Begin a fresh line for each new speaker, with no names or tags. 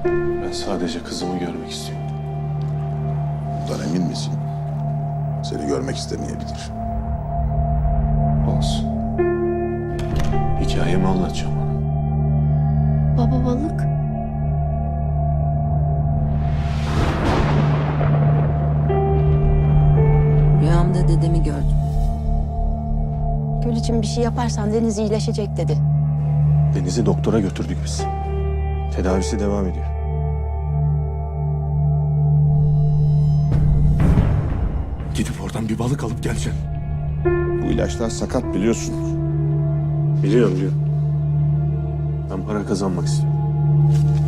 Ben sadece kızımı görmek istiyorum.
Bundan emin misin? Seni görmek istemeyebilir.
Olsun. Hikayemi anlatacağım ona.
Baba balık.
Rüyamda dedemi gördüm.
Gül için bir şey yaparsan Deniz iyileşecek dedi.
Deniz'i doktora götürdük biz. Tedavisi devam ediyor.
Gidip oradan bir balık alıp geleceksin.
Bu ilaçlar sakat biliyorsun.
Biliyorum. Ben para kazanmak istiyorum.